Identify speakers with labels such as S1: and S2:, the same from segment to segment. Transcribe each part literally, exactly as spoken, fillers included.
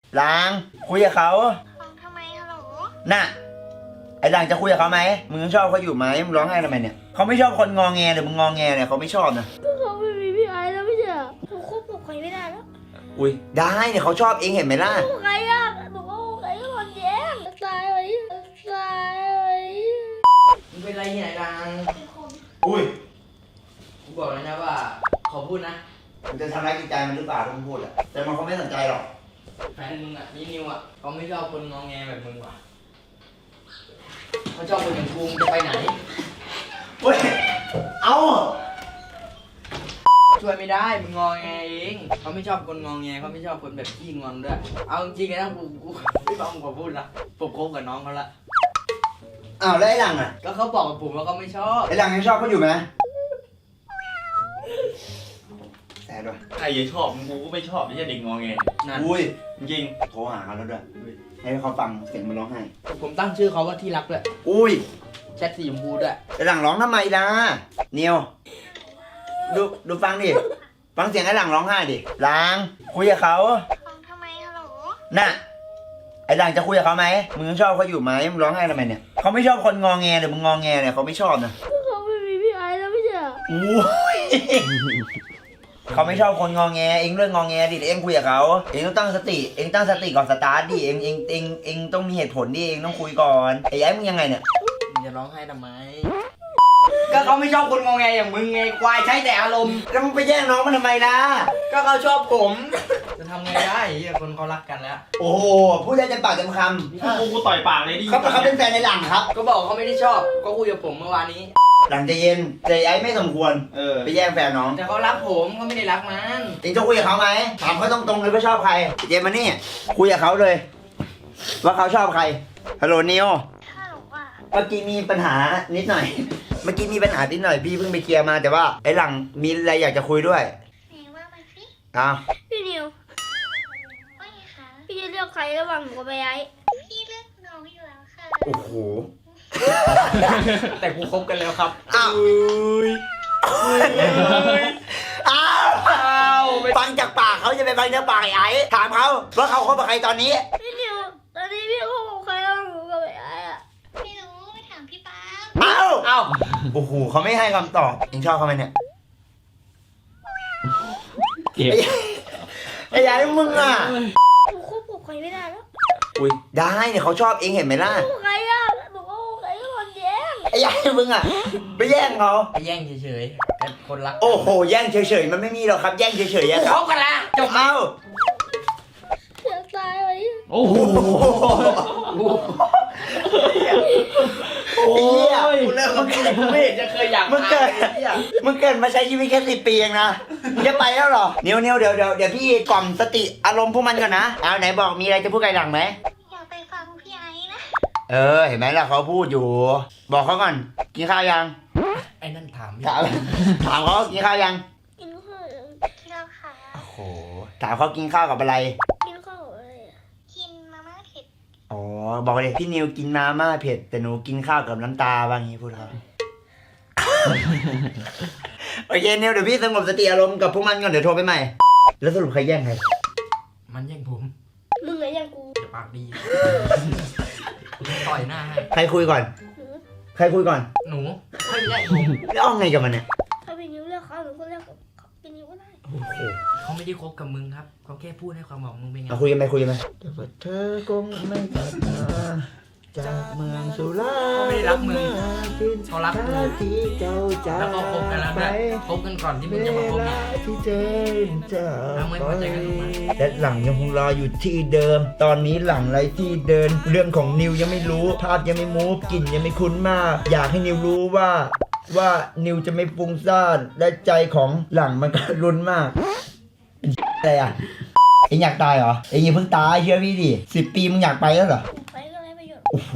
S1: หลังคุยกับเขา
S2: ทำไมฮัลโหล
S1: น่ะไอ้หลังจะคุยกับเขาไหมมึงชอบเขาอยู่ไหมมึงร้องไห้ทำไมเนี่ยเขาไม่ชอบคนงอแงหรือมึงงอแงเนี่ยเขาไม่ชอบนะ
S2: ก็เขาไม่มีพี่ไอ้แล้วไม่ใช่เหรอหนูควบคุมใครไม่ได้แล้ว
S1: อุ้ยได้เนี่ยเขาชอบเองเห็นไหมล่ะ
S2: ใครอ่ะหนูก็ใครก็คนแย่งตายไว้ตายไว้
S3: มึงเป็นไรเนี่ยดัง
S2: เป็นคน
S1: อุ้ย
S3: กูบอกเลยนะว่าขอพูดนะ
S1: มึงจะทำร้ายจิตใจมันหรือเปล่าถ้ามึงพูดอะแต่มันเขาไม่สนใจหรอก
S3: แฟนมึงอ่ะนี่นิวอ่ะเขาไม่ชอบคนงอแงแบบมึงว่ะเขาชอบคนอย่างกูมึงจะไปไหน
S1: เฮ้ยเอา
S3: ช่วยไม่ได้มึงงอแงเองเขาไม่ชอบคนงอแงเขาไม่ชอบคนแบบขี้งอนด้วยเอาจริงๆนะกูกูไม่ฟังมึงขอพูดละผมคบกับน้องเขาละ
S1: อ้าวแล้วไอ้หลังอะ
S3: ก็เขาบอกกับผมว่าเขาไม่ชอบ
S1: ไอ้หลังยังชอบเขาอยู่ไหมแซ่ด้วย
S4: ใครจะชอบมึงกูก็ไม่ชอบไม่ใช่เด็กงอแง
S3: นั่น
S1: อุ้ย
S4: จริง
S1: โทรหาเขาแล้วด้วยให้เขาฟังเสียงมันร้องไห้
S3: ผมตั้งชื่อเขาว่าที่รักด้วย
S1: อุ้ย
S3: แชทสีชมพูด้วย
S1: ไอ้หลังร้องทำไมล่ะเนียวดูดูฟังดิฟังเสียงไอ้หลังร้องไห้ดิหลังคุยกับเขา
S2: ทำไมฮัลโหล
S1: น่ะไอ้หลังจะคุยกับเขาไหมมึงชอบเขาอยู่ไหมมึงร้องไห้ทำไมเนี่ยเขาไม่ชอบคนงอแงหรือมึงงอแงเนี่ยเขาไม่ชอบนะ
S2: ก็เขาไม่มีพี่ไอ้แล้วไม่ใช่เหรอ
S1: อุ้ยเขาไม่ชอบคนงอแงเองเรื่องงอแงดิเองคุยกับเขาเองต้องตั้งสติเองตั้งสติก่อนสตาร์ทดิเองเองเองเองต้องมีเหตุผลดิเองต้องคุยก่อนไอ้ยัยมึงยังไงเนี่ย
S3: มึงจะร้องไห้ทำไม ก็เขาไม่ชอบคนงอแงอย่างมึงไงควายใช้แต่อารมณ์
S1: แล้วมึงไปแย่งน้องมันทำไมล่ะ
S3: ก็เขาชอบผม จะทำไงได้เฮียคนเขารักกันแล้ว
S1: โอ้โหพูดได้เต็มปากเต็มค
S4: กูกูต่อยปากเลยดิ
S1: ำเขาเขาเป็นแฟนในหลังครับ
S3: ก็บอกเขาไม่ได้ชอบ ก็คุยกับผมเมื่อวานนี้
S1: หลังใจเย็นใจไอ้ไม่สมควร
S4: เออ
S1: ไปแย่งแฟนน้อง
S3: แต่เขารักผมเขาไม่ได้รักมัน
S1: เองจะคุยกับเขาไหมถามเขาตรงๆเลยว่าชอบใครเจมมานี่คุยกับเขาเลย ว่าเขาชอบใครฮัลโหลนิว
S2: ฮัลโหลอ่ะ
S1: เมื่อกี้มีปัญหานิดหน่อย เมื่อกี้มีปัญหานิดหน่อยพี่เพิ่งไปเคลียร์มาแต่ว่าไอ้หลังมีอะไรอยากจะคุยด้วย
S2: ไหนว่ามาสิ
S1: อ้าว
S2: พี่นิว ว่าไงคะ พี่จะเลือกใครระหว่างหนูกับไอ้พี่เลือกน้องอยู่แล้วค่ะ
S1: โอ้โห
S3: แต่กูคบกันแล้วครับ
S1: อ้าวอ้าวฟังจากปากเขาจะไปฟังจากปากไอ้ไอ้ถามเขาว่าเขาคบกับใครตอนนี้
S2: พี่นิว ตอนนี้พี่เขาบอกใครระหว่างหนูกับไอ้อะไม่รู้ไปถามพี่ป๊า
S1: อ้าว
S3: เอ้า
S1: โอ้โหเขาไม่ให้คำตอบเองชอบเขาไหมเนี่ย
S4: เก็บ
S1: ไอ้ยัยมึงอ่ะ
S2: หนูควบคุมใครไม่ได้แล้ว
S1: อุ้ยได้เนี่ยเขาชอบเองเห็นไหมล่ะ
S2: ใครอ่ะหนูก็ใครก็คนแย่ง
S1: ไอ้ยัยมึงอ่ะไปแย่งเขา
S3: ไปแย่งเฉยๆแต่คนรัก
S1: โอ้โหแย่งเฉยๆมันไม่มีหรอกครับแย่งเฉยๆอะ
S3: กู
S1: ค
S3: ครับ บกันแล้วจบ
S1: เอ้า
S2: เสียตายไว้
S4: โอ้โห
S1: โอ้ยกูเลิกมึงเกิด
S3: ไม่เห็นจะเคยอยาก
S1: มึงเกิด
S3: ตายเลยเนี่ย
S1: มึงเกิดมาใช้ชีวิตแค่สิบปีเองนะมึงจะไปแล้วเหรอเนียวเนียวเดี๋ยวเดี๋ยวเดี๋ยวพี่กล่อมสติอารมณ์พวกมันก่อนนะเอาไหนบอกมีอะไรจะพูดกับไอ้หลังไหม
S2: อยากไปฟังพี่ไอ้นะ
S1: เออเห็นไหมล่ะเขาพูดอยู่ บอกเขาก่อนกินข้าวยัง
S3: ไอ้นั่นถาม
S1: ถามถามเขากินข้าวยัง
S2: กินข้าวกินแล้วค่ะ
S1: โอ้โหถามเขากินข้าวกับอะไร
S2: กินข้าวอะไรอ่ะกินมาม่าเผ็ด
S1: อ๋อบอกเลยพี่นิวกินมาม่าเผ็ดแต่หนูกินข้าวกับน้ำตาว่างี้พูดเขา โอเคนิวเดี๋ยวพี่สงบสติอารมณ์กับพวกมันก่อนเดี๋ยวโทรไปใหม่ แล้วสรุปใครแย่งใคร
S3: มันแย่งผม
S2: มึงไงยังกู
S3: จะปากดีต่อยหน้าให้
S1: ใครคุยก่อน ใครคุยก่อน
S3: หนูไม่แย่งผม
S1: แล้วเอาไงกับมันเนี่ย
S2: ถ้าพี่นิ้วเลือกเขาหนูก็เลือกพี่นิ้วก็ได้
S1: โอ้โห
S3: เขาไม่ได้คบกับมึงครับเขาแค่พูดให้ความหวังมึงเป็นไง
S1: เอาคุยกันไหมคุยกันไหมแต่ว่าเธอคงไม่กลับมาจากเมืองสุรา
S3: เขาไม่ได้รักมึงเขารักกู
S1: ที่เจ้าจาก
S3: แล้วก็คบกันแล้วด้วยคบกันก่อนที่มึงจะมาคบเนี่ย
S1: ที่เธอจาก
S3: ทำไมพอใจกันทำไม
S1: และหลังยังคงรออยู่ที่เดิม ตอนนี้หลังไรที่เดิน เรื่องของนิวยังไม่รู้ ภาพยังไม่มูฟกลิ่นยังไม่คุ้นมาก อยากให้นิวรู้ว่า ว่านิวจะไม่ฟุ้งซ่านและใจของหลังมันก็รุนมากอะไรอ่ะเอ็งอยากตายเหรอเอ็งอย่าเพิ่งตายเชื่อพี่ดิสิบปีมึงอยากไปแล้วเหรอ
S2: ไปก็ไรประโยชน์
S1: โอ้โห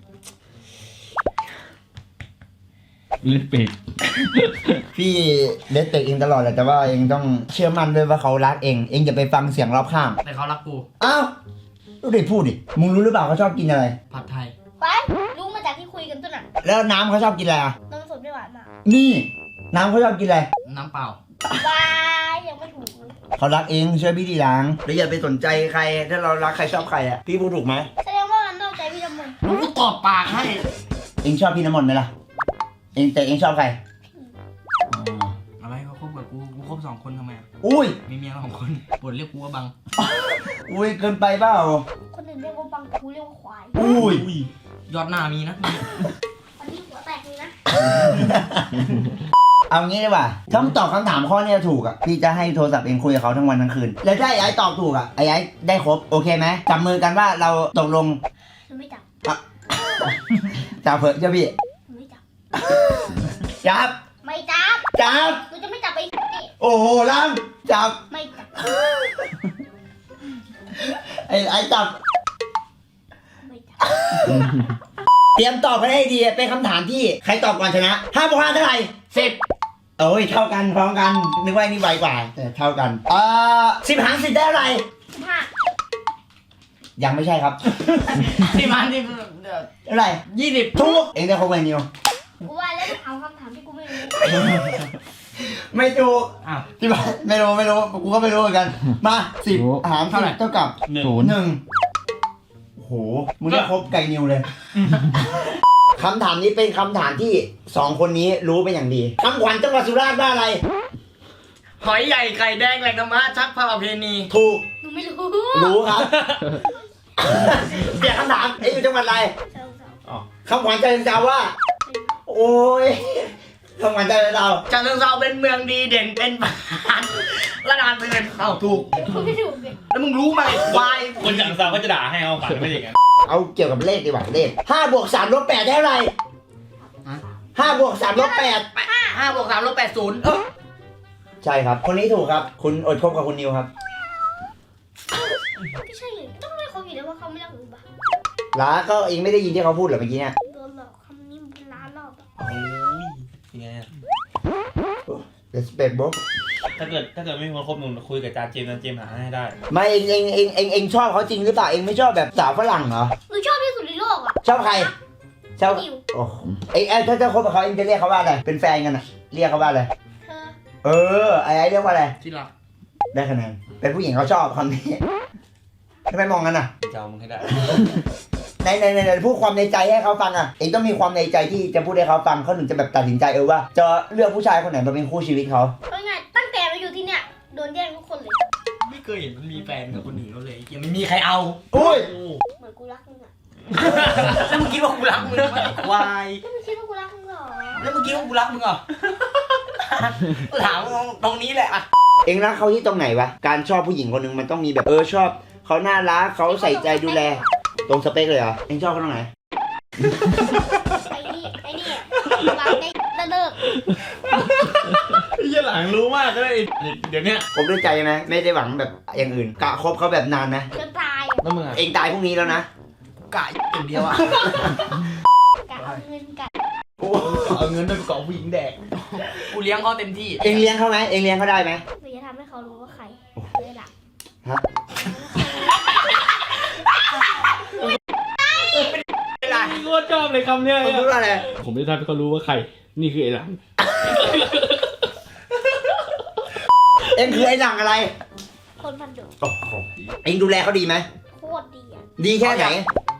S4: ลิปปิก
S1: พี่เลสเตกเองตลอดแหละแต่ว่าเองต้องเชื่อมั่นด้วยว่าเขารักเองเองอย่าไปฟังเสียงรอบข้าง
S3: แต่เขารักกู
S1: อ้าวดูดิพูดดิมึงรู้หรือเปล่าเขาชอบกินอะไร
S3: ผัดไทย
S2: ไปรู้มาจากที่คุยกันตัวน่ะ
S1: แล้วน้ำเขาชอบกินอะไรอ่ะ
S2: นมสดไม่หวานมาก
S1: นี่ น้ำเขาชอบกินอะไร
S3: น้ำเปล่า
S2: บายยังไม่ถูก
S1: เขารักเองเชื่อพี่ทีหลังแล้วอย่าไปสนใจใครถ้าเรารักใครชอบใครอ่ะพี่พูดถูกไหม
S2: แสดงว่ามันนอกใจพี่ทำไม
S3: กูตอบปากให้
S1: เองชอบพี่น้ำมนต์ไหมล่ะเองแต่เองชอบใครอ๋อ
S3: อะไรเขาคบกับกูกูคบสองคนทำไมอะ
S1: อุ้ย
S3: มีเมียสองคนปวดเรียกกูว่าบัง
S1: อุ้ยเกินไปเปล่า
S2: คนอื่นเรียกว่าบังกูเรียกว่าควาย
S1: อุ้ย
S3: ยอดหน้ามีนะ
S2: อันนี้หัวแตกเลยนะ
S1: เอางี้ดีกว่าถ้ามึงตอบคำถามข้อเนี้ยถูกอ่ะพี่จะให้โทรศัพท์เองคุยกับเขาทั้งวันทั้งคืนแล้วถ้าไอ้ไอ้ตอบถูกอ่ะไอ้ไอ้ได้ครบโอเคไหมจับมือกันว่าเราตกลง
S2: หนูไม่จับ
S1: จับเถอะเจ้าพี่
S2: หนูไม่จับ
S1: จับ
S2: ไม่จับ
S1: จับ
S2: หนูจะไม่จับไอ้นี่
S1: โอ้โหลังจับ
S2: ไม่จับ
S1: ไอ้ไอ้จับ
S2: ไม่จับ
S1: เตรียมตอบกันให้ดีเป็นคำถามที่ใครตอบก่อนชนะห้าบวกห้าเท่าไหร่
S3: สิบ
S1: โอ้ยเท่ากันพร้อมกันนึกว่านี่ไวกว่าแต่เท่ากันเอ่อสิบหารสิบได้เท่าไหร่
S2: ห้า
S1: ยังไม่ใช่ครับ
S3: ที่มันที่
S1: เท่าไหร่
S3: ยี่สิบ
S1: ถูกเองได้ครบไหมนิว
S2: กูว่าแล้วถามคำถามที่กูไม่รู้
S1: ไม่ถูก
S3: อ้าว
S1: ที่บ้านไม่รู้ไม่รู้กูก็ไม่รู้เหมือนกันมาสิบหารเท่าไหร่เท่ากับ
S4: หนึ่ง
S1: หนึ่งโอ้โหมึงได้ครบไก่นิวเลยคำถามนี้เป็นคำถามที่สองคนนี้รู้เป็นอย่างดีคำขวัญจังหวัดสุราษฎร์ว่าอะไร
S3: หอยใหญ่ไข่แดงแหล่งธรรมะชักพระประเพณี
S1: ถูก
S2: หนูไม่รู้
S1: รู้ครับ เปลี่ยนคำถามเอ้ยอยู่จังหวัดอะไร
S2: เจ้าสาว
S4: อ๋อ
S1: คำขวัญใจเจ้าว่า โอ้ยคำขวัญใจเจ้า
S3: จันทร์เชิงเทราเป็นเมืองดีเด่นเป็นบ้านระดานเตือนเอ้าถูก
S2: กูไม่ถูกเลย
S3: แล้วมึงรู้ไหมวาย
S4: คนจังซาวก็จะด่าให้เอาฝันไม่อย่างนั้น
S1: เอาเกี่ยวกับเลขดีกว่าเลขห้าบวกสามลบแปดได้เท่าไหร่ห้าบวกสามลบแปด
S3: ห้าบวกสามลบแปดศูนย์
S1: ใช่ครับ คนนี้ถูกครับ คุณอดคบกับคุณนิวครับ
S2: ไม่ใช่เลยต้องเรียกเขาอยู่แล้วว่าเขาไม่รักหนูบ้า
S1: ล้าก็เองไม่ได้ยินที่เขาพูดเหรอเมื่อกี้เนี่ย
S2: โดนหลอกคำนี้เป็นล้านรอบอะ
S4: โอ้ยยังไงอะ
S1: respect bro
S4: ถ้าเกิดถ้าเกิดไม่มีคนคบมึงคุยกับจานเจมส์จานเจมส์หาให้ได้
S1: ไม่เองเองเองเองเองชอบเขาจริงหรือเปล่าเองไม่ชอบแบบสาวฝรั่งเหรอ
S2: หนูชอบที่สุดในโลกอ่ะ
S1: ชอบใครชอบ
S2: นิว
S1: โอ้โหเองเองถ้าจะคบกับเขาเองจะเรียกเขาว่าอะไรเป็นแฟนกันอะเรียกเขาว่าอะไร
S2: เธอ
S1: เออไอ้ไอ้เรียกว่าอะไร
S3: ที่รัก
S1: ได้คะแนนเป็นผู้หญิงเขาชอบคำนี้ทำไมมองกันอ่ะ
S4: จะเอามึงให้ได้
S1: ในในในในพูดความในใจให้เขาฟังอ่ะเองต้องมีความในใจที่จะพูดให้เขาฟังเขาถึงจะแบบตัดสินใจเออว่าจะเลือกผู้ชายคนไหนมาเป็นคู่ชีวิตเขา
S2: เพราะไงตั้งแต่มาอยู่ที่เนี่ยโดนแย่งทุกคนเลย
S3: ไม่เคยเห็นมันมีแฟนกับคนอื่นเขาเลยยังไม่มีใครเอา
S1: อุ้ย
S2: เหมือนกูรักมึงอ่ะ
S3: แล้วมึงคิดว่ากูรักมึงไหมวาย
S2: แล้วมึงคิดว่ากูรักมึงเหรอ
S3: แล้วมึงคิดว่ากูรักมึงเหรอถามตรงนี้แหละอะ
S1: เองรักเขาที่ตรงไหนวะการชอบผู้หญิงคนหนึ่งมันต้องมีแบบเออชอบเขาน่ารักเขาใส่ใจดูแลตรงสเปคเลยเหรอเองชอบเขาตรงไหน
S2: ไอ้นี่ไอ้นี่วางได้จะเลิก
S4: ยี่หลังรู้มากก็ได้เดี๋ยวเนี้ย
S1: คบด้วยใจไหมไม่ได้หวังแบบอย่างอื่นกะคบเขาแบบนานไหม
S2: จนตายอะ
S4: แล้วมึงอ่ะ
S1: เองตายพรุ่งนี้แล้วนะ
S3: กะอย่างเดียวอะ
S2: กะเอาเงินกัด
S1: โอ้
S4: เอาเงินไปประกอบผู้หญิงแดก
S3: กูเลี้ยงเขาเต็มที่
S1: เองเลี้ยงเขาไหมเองเลี้ยงเขาได้ไหม
S2: หนูจะทำให้เขารู้ว่าใครเลยล่ะ
S1: ฮะ
S3: เวลา
S4: โคตรชอบเลยคำเนี้ย
S1: เขาพูดว่าอะไร
S4: ผมจะทำให้เขารู้ว่าใคร นี่คือไอ้หลัง
S1: เองคือไอ้หลังอะไร
S2: คนพันดุ
S1: โอ้โหเองดูแลเขาดีไหม
S2: โคตรดีอ่ะ
S1: ดีแค่ไหน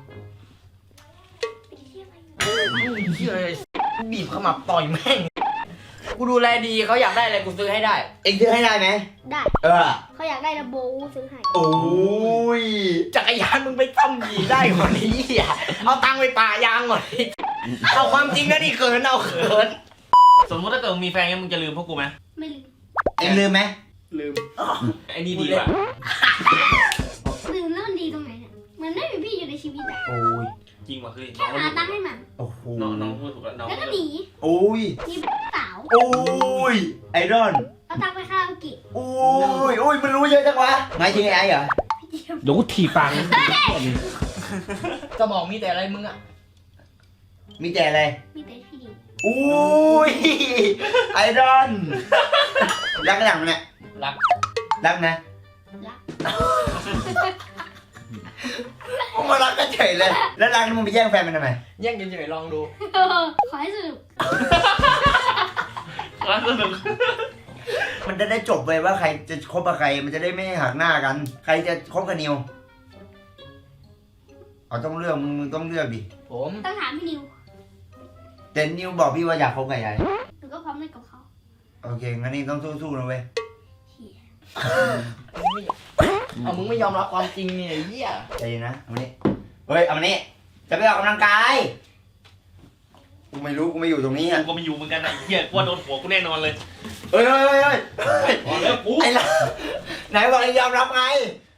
S2: ไปเที่ยวอะไร
S3: เชื่อเลยบีบขมับต่อยแม่งกูดูแลดีเขาอยากได้อะไรกูซื้อให้ได้
S1: เองซื้อให้ได้ไหม
S2: ได้
S1: เออ
S2: เขาอยากได้ระโบกูซื้อให้
S1: โอ้ย
S3: จักรยานมึงไปซ่อมยีได้กว่านี้อ่ะเอาตังค์ไปป่ายางก่อนดิเอาความจริงนะนี่เขินเอาเขิน
S4: สมมติถ้าเกิดมึงมีแฟนงั้นมึงจะลืมพวกกูไหม
S2: ไม่ลืม
S1: เองลืมไหม
S3: ลืม
S4: ไอ้นี่ดีกว่า
S2: ลืมแล้วมันดีตรงไหนเนี่ยเหมือนไม่มีพี่อยู่ในชีวิตอ่ะ
S1: โอ้ย
S4: จริงว่ะคือ
S2: แค่หาตังค์ให้มัน
S1: โอ้โห
S4: น้องน้องพูดถูกแล้วน้อง
S2: แล้วก็หนี
S1: โอ้ย
S2: มีสาว
S1: โอ้ยไอรอน
S2: เอาตังค์ไปคาราโอเกะ
S1: โอ้ยโอ้ยมันรู้เยอะจังวะหมายถึงไอ้เหรอ
S2: พี่เดียว
S4: เดี๋ยวกูถีบปัง
S3: สมองมีแต่อะไรมึงอ่ะ
S1: มีแต่อะไร
S2: มีแต่พี่เดียว
S1: โอ้ยไอรอนรักกันอย่างมันเนี่ย
S3: รัก
S1: รักนะ
S2: รัก
S1: มึงมารักกันเฉยเลย แล้วรักนี่มึงไปแย่งแฟนมันทำไม
S3: แย่งเฉยๆลองดู
S2: ขอให้สนุก
S4: รักสนุก
S3: แหม
S1: มันจะได้จบเลยว่าใครจะคบกับใครมันจะได้ไม่หักหน้ากัน ใครจะคบกับนิวเอาต้องเลือกมึงมึงต้องเลือกดิ
S3: ผม
S2: ต้องถามพี่นิว
S1: แต่นิวบอกพี่ว่าอยากคบกับยาย
S2: หนูก็พร้อมเล่นกับเขา
S1: โอเคงั้นนี่ต้องสู้ๆนะเว้ย
S2: เหี้ย
S3: เอามึงไม่ยอมรับความจริงเนี่ยไอ้เหี้ย
S1: ใจเย็นนะเอามานี่เฮ้ยเอามานี่จะไปออกกำลังกายกูไม่รู้กูไม่อยู่ตรงนี้
S4: กู
S1: อ่ะ
S4: ก็ไม่อยู่เหมือนกันนะไอ้เหี้ยกูว่าโดนหัวกูแน่นอนเลย
S1: เฮ้ยเฮ้ยเฮ้ยเฮ้ย
S4: พอแล้วกู
S1: ไอ้ละไหนบอกจะยอมรับไง